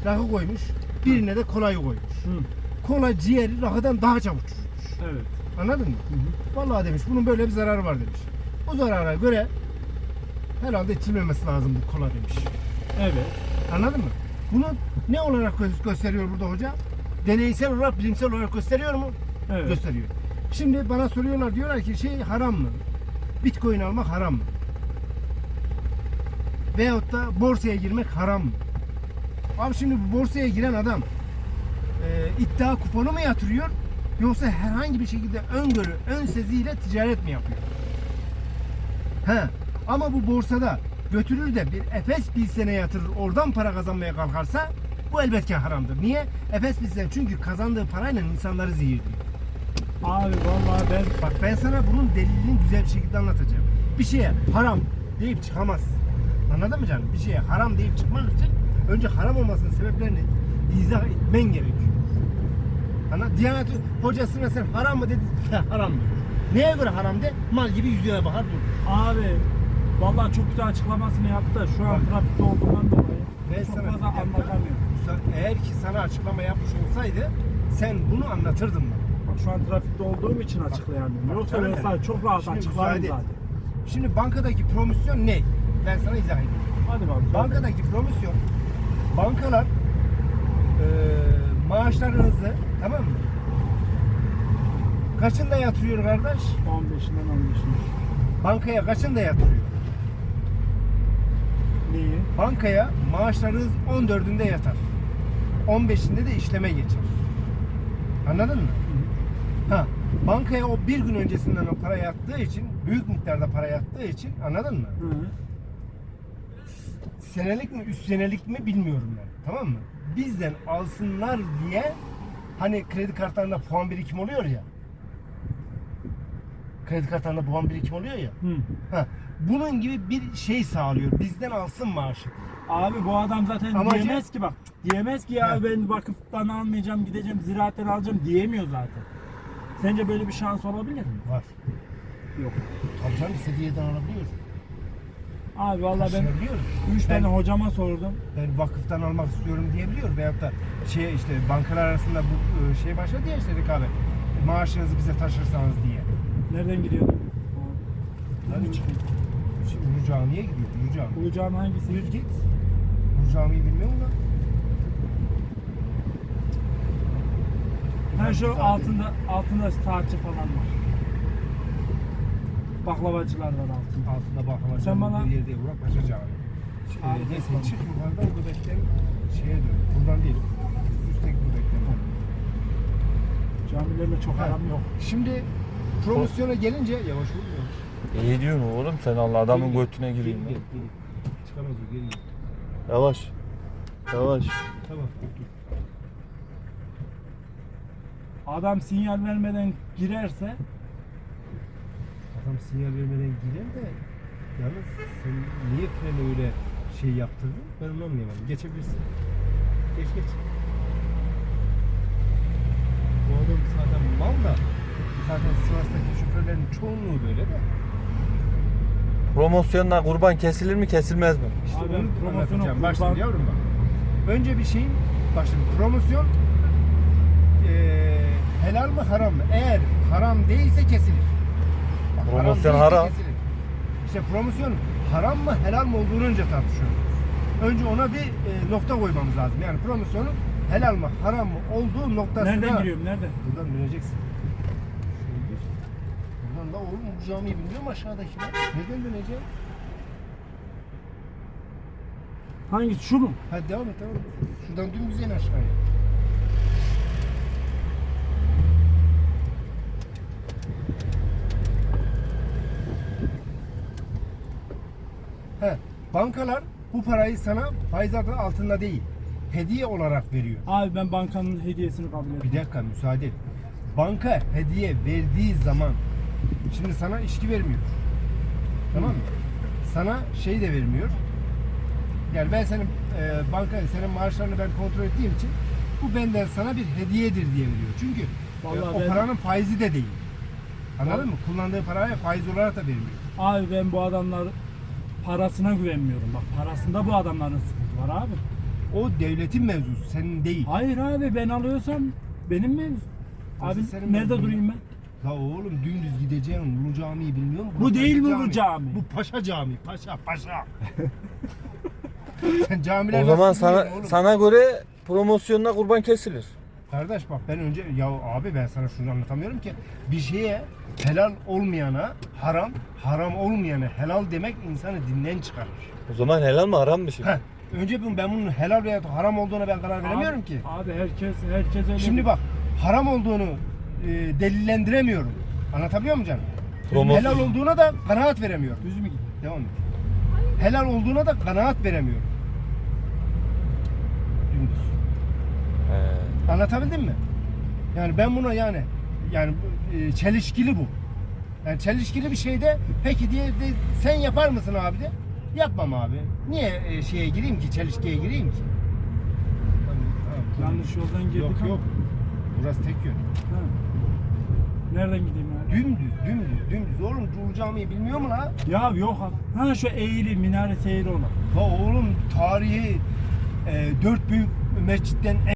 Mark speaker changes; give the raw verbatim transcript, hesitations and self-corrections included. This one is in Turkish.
Speaker 1: rakı koymuş, birine de kolayı koymuş.
Speaker 2: Hı.
Speaker 1: Kola ciğeri rakıdan daha çabuk çürümüş.
Speaker 2: Evet.
Speaker 1: Anladın mı?
Speaker 2: Hı hı.
Speaker 1: Vallahi demiş bunun böyle bir zararı var demiş. Bu zarara göre herhalde içilmemesi lazım bu kola demiş.
Speaker 2: Evet.
Speaker 1: Anladın mı? Bunu ne olarak gö- gösteriyor burada hoca? Deneysel olarak, bilimsel olarak gösteriyor mu?
Speaker 2: Evet.
Speaker 1: Gösteriyor. Şimdi bana soruyorlar, diyorlar ki şey haram mı? Bitcoin almak haram mı? Veyahut da borsaya girmek haram mı? Abi şimdi bu borsaya giren adam e, iddia kuponu mu yatırıyor? Yoksa herhangi bir şekilde öngörü, ön seziyle ticaret mi yapıyor? He. Ama bu borsada götürür de bir Efes bilsene yatırır, oradan para kazanmaya kalkarsa bu elbette haramdır. Niye? Efes bilsen çünkü kazandığı parayla insanları zehirliyor.
Speaker 2: Abi vallahi ben
Speaker 1: Bak ben sana bunun delilini güzel bir şekilde anlatacağım. Bir şeye haram deyip çıkamaz. Anladın mı canım? Bir şeye haram deyip çıkmak için önce haram olmasının sebeplerini izah etmen gerekiyor. Ana Diyanet hocasına sen haram mı dedi? Haram diyor. Neye göre haram de? Mal gibi yüzüne bakar dur.
Speaker 2: abi vallahi çok güzel açıklamasını yaptı da şu an
Speaker 1: Bak.
Speaker 2: trafikte olduğundan dolayı
Speaker 1: Ben
Speaker 2: çok
Speaker 1: sana
Speaker 2: fazla
Speaker 1: bir dakika,
Speaker 2: anlatamıyorum.
Speaker 1: eğer ki sana açıklama yapmış olsaydı sen bunu anlatırdın bana.
Speaker 2: Bak şu an trafikte olduğum için açıklayamıyorum.
Speaker 1: bak,
Speaker 2: Yoksa
Speaker 1: canım
Speaker 2: ben
Speaker 1: benim.
Speaker 2: sana çok rahat
Speaker 1: Şimdi
Speaker 2: açıklarım
Speaker 1: müsaade et.
Speaker 2: zaten.
Speaker 1: Şimdi bankadaki promosyon ne? Ben sana izah edeyim.
Speaker 2: Hadi bakalım.
Speaker 1: Bankadaki promosyon, bankalar e, maaşlarınızı, tamam mı? Kaçında yatırıyor kardeş?
Speaker 2: on beşinden on beşine.
Speaker 1: Bankaya kaçında yatırıyor?
Speaker 2: Neyi?
Speaker 1: Bankaya maaşlarınız on dördünde yatar. on beşinde de işleme geçer. Anladın mı? Ha, bankaya o bir gün öncesinden o para yattığı için, büyük miktarda para yattığı için, anladın mı?
Speaker 2: Hı hı.
Speaker 1: Senelik mi, üst senelik mi bilmiyorum ben. Tamam mı? Bizden alsınlar diye hani kredi kartlarında puan birikim oluyor ya. Kredi kartlarında puan birikim oluyor ya.
Speaker 2: Hı.
Speaker 1: Ha, bunun gibi bir şey sağlıyor. Bizden alsın maaşı.
Speaker 2: Abi bu adam zaten
Speaker 1: Amacı-
Speaker 2: diyemez ki bak. Diyemez ki ya
Speaker 1: He.
Speaker 2: ben vakıftan almayacağım, gideceğim ziraatten alacağım diyemiyor zaten. Sence böyle bir şans olabilir mi?
Speaker 1: Var.
Speaker 2: Yok.
Speaker 1: Tabii canım istediği yerden alabiliyor.
Speaker 2: Abi vallahi ben
Speaker 1: Taşıyabiliyor.
Speaker 2: üç
Speaker 1: Ben-
Speaker 2: tane hocama sordum.
Speaker 1: Ben vakıftan almak istiyorum diyebiliyor. Veyahut da şey işte bankalar arasında bu e, şey başladı ya işte rekabet. Maaşınızı bize taşırsanız diye.
Speaker 2: Nereden gidiyordun?
Speaker 1: Hadi
Speaker 2: çıkıyor.
Speaker 1: Şimdi Ulu Cami'ye gidiyor. Ulu Cami.
Speaker 2: Ulu Cami hangisi?
Speaker 1: Düz git. Ulu Cami'yi bilmiyor musun lan?
Speaker 2: Ha şu altında altında saatçi falan var. Baklavacılar var altında.
Speaker 1: Altında baklava
Speaker 2: Sen bana-
Speaker 1: bir yerde Burak Paşa Camii.
Speaker 2: Abi,
Speaker 1: Ee, neyse
Speaker 2: tamam.
Speaker 1: çık yukarıdan Göbek'ten şeye dön. Buradan değil. Üstteki Göbek'ten.
Speaker 2: Camilerle çok
Speaker 1: Ha.
Speaker 2: aram yok.
Speaker 1: Şimdi promosyona gelince yavaş ol yavaş.
Speaker 3: İyi diyorsun oğlum sen Allah adamın
Speaker 1: Geri gel,
Speaker 3: götüne gireyim.
Speaker 1: geri
Speaker 3: lan.
Speaker 1: gel, geri. Çıkamaz o geri gel.
Speaker 3: Yavaş. Yavaş.
Speaker 1: Tamam dur.
Speaker 2: Adam sinyal vermeden girerse
Speaker 1: Adam sinyal vermeden girer de yalnız sen niye freni öyle şey yaptırdın? Ben onu anlayamadım. Geçebilirsin. Geç geç. Bu adam zaten mal da zaten Sivas'taki şoförlerin çoğunluğu böyle de.
Speaker 3: Promosyonla kurban kesilir mi kesilmez mi?
Speaker 1: İşte
Speaker 2: Abi
Speaker 1: onu
Speaker 2: ben promosyonu
Speaker 1: anlatacağım. Bak
Speaker 2: kurban-
Speaker 1: şimdi yavrum bak. Önce bir şeyin, bak şimdi promosyon eee helal mı haram mı? Eğer haram değilse kesilir. Bak,
Speaker 3: Promosyon
Speaker 1: değilse
Speaker 3: haram.
Speaker 1: kesilir. İşte promosyon haram mı helal mı olduğunu önce tartışıyoruz. Önce ona bir e, nokta koymamız lazım. Yani promosyonun helal mı haram mı olduğu noktasına...
Speaker 2: nereden giriyorum? Nerede?
Speaker 1: Buradan döneceksin. Şöyle gir. Buradan da oğlum bu camiyi bilmiyor mu aşağıdaki lan? Nereden döneceğim?
Speaker 2: Hangisi? Şu mu?
Speaker 1: Hadi devam et devam et. Şuradan dümdüz in aşağıya. He, bankalar bu parayı sana faiz adı altında değil, hediye olarak veriyor.
Speaker 2: Abi ben bankanın hediyesini kabul
Speaker 1: Bir
Speaker 2: ediyorum.
Speaker 1: dakika müsaade et. Banka hediye verdiği zaman şimdi sana içki vermiyor. Tamam mı? Sana şey de vermiyor. Yani ben senin e, banka senin maaşlarını ben kontrol ettiğim için bu benden sana bir hediyedir diye veriyor. Çünkü e,
Speaker 2: Vallahi
Speaker 1: o
Speaker 2: ben-
Speaker 1: paranın faizi de değil. Anladın
Speaker 2: Vallahi-
Speaker 1: mı? Kullandığı paraya faiz olarak da vermiyor.
Speaker 2: Abi ben bu adamlar parasına güvenmiyorum. Bak parasında bu adamların sıkıntı var abi.
Speaker 1: O devletin mevzusu, senin değil.
Speaker 2: Hayır abi, ben alıyorsam benim mevzu. Abi
Speaker 1: senin
Speaker 2: nerede
Speaker 1: mevzun.
Speaker 2: durayım ben?
Speaker 1: La oğlum dümdüz gideceğin Ulu Cami'yi bilmiyor musun?
Speaker 2: Bu değil mi
Speaker 1: Paşa
Speaker 2: bu cami?
Speaker 1: Bu Paşa Cami, Paşa, Paşa. Sen camiler
Speaker 3: O zaman
Speaker 1: nasıl
Speaker 3: sana
Speaker 1: biliyorsun oğlum?
Speaker 3: sana göre promosyonuna kurban kesilir.
Speaker 1: Kardeş bak ben önce ya abi ben sana şunu anlatamıyorum ki bir şeye helal olmayana haram, haram olmayana helal demek insanı dinden çıkarır.
Speaker 3: O zaman helal mi haram mı şimdi?
Speaker 1: Heh, önce ben, ben bunun helal veya haram olduğuna ben karar veremiyorum
Speaker 2: Abi-
Speaker 1: ki.
Speaker 2: Abi herkes herkes öyle.
Speaker 1: Şimdi bak haram olduğunu e, delillendiremiyorum. Anlatabiliyor muyum canım?
Speaker 3: Promosyon.
Speaker 1: Helal olduğuna da kanaat veremiyorum.
Speaker 2: Düz mü gidiyor?
Speaker 1: Devam et. Helal olduğuna da kanaat veremiyorum. Dümdüz.
Speaker 3: He.
Speaker 1: Anlatabildim mi? Yani ben buna yani yani bu, e, çelişkili bu. Yani çelişkili bir şeyde peki diye de, sen yapar mısın abi de? Yapmam abi. Niye e, şeye gireyim ki, çelişkiye gireyim ki?
Speaker 2: Yanlış yoldan girdik
Speaker 1: Yok
Speaker 2: ama.
Speaker 1: yok. Burası tek yön.
Speaker 2: Ha. Nereden gideyim abi?
Speaker 1: Dümdüz, dümdüz, dümdüz. Oğlum Cumhur Camii'yi bilmiyor mu la?
Speaker 2: Ya yok abi. Ha şu eğri minare seyri olan.
Speaker 1: Ha oğlum tarihi e, dört büyük mescitten